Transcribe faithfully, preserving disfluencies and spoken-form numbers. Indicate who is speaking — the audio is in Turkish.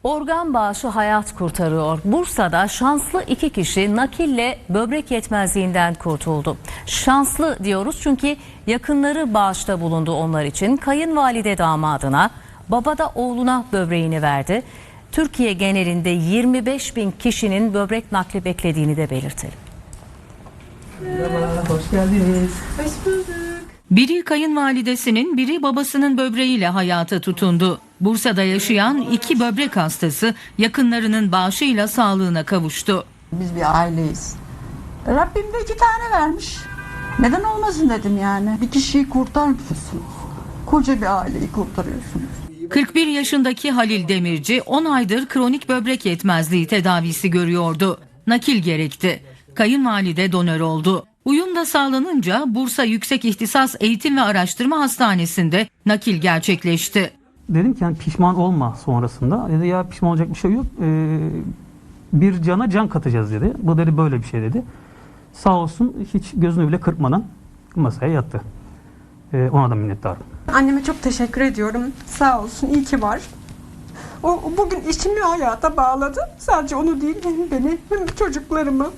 Speaker 1: Organ bağışı hayat kurtarıyor. Bursa'da şanslı iki kişi nakille böbrek yetmezliğinden kurtuldu. Şanslı diyoruz çünkü yakınları bağışta bulundu onlar için. Kayınvalide damadına, baba da oğluna böbreğini verdi. Türkiye genelinde yirmi beş bin kişinin böbrek nakli beklediğini de belirtelim.
Speaker 2: Merhaba, hoş geldiniz.
Speaker 3: Hoş bulduk.
Speaker 4: Biri kayınvalidesinin, biri babasının böbreğiyle hayata tutundu. Bursa'da yaşayan iki böbrek hastası yakınlarının bağışıyla sağlığına kavuştu.
Speaker 3: Biz bir aileyiz. Rabbim de iki tane vermiş. Neden olmasın dedim yani. Bir kişiyi kurtarmıyorsunuz. Koca bir aileyi kurtarıyorsunuz.
Speaker 4: kırk bir yaşındaki Halil Demirci on aydır kronik böbrek yetmezliği tedavisi görüyordu. Nakil gerekti. Kayınvalide donör oldu. Uyum da sağlanınca Bursa Yüksek İhtisas Eğitim ve Araştırma Hastanesi'nde nakil gerçekleşti.
Speaker 2: Dedim ki yani pişman olma sonrasında. Dedi ya pişman olacak bir şey yok. Ee, bir cana can katacağız dedi. Bu dedi böyle bir şey dedi. Sağ olsun hiç gözünü bile kırpmadan masaya yattı. Ee, ona da minnettarım.
Speaker 5: Anneme çok teşekkür ediyorum. Sağ olsun, iyi ki var. O bugün işimi hayata bağladı. Sadece onu değil, hem beni hem çocuklarımı.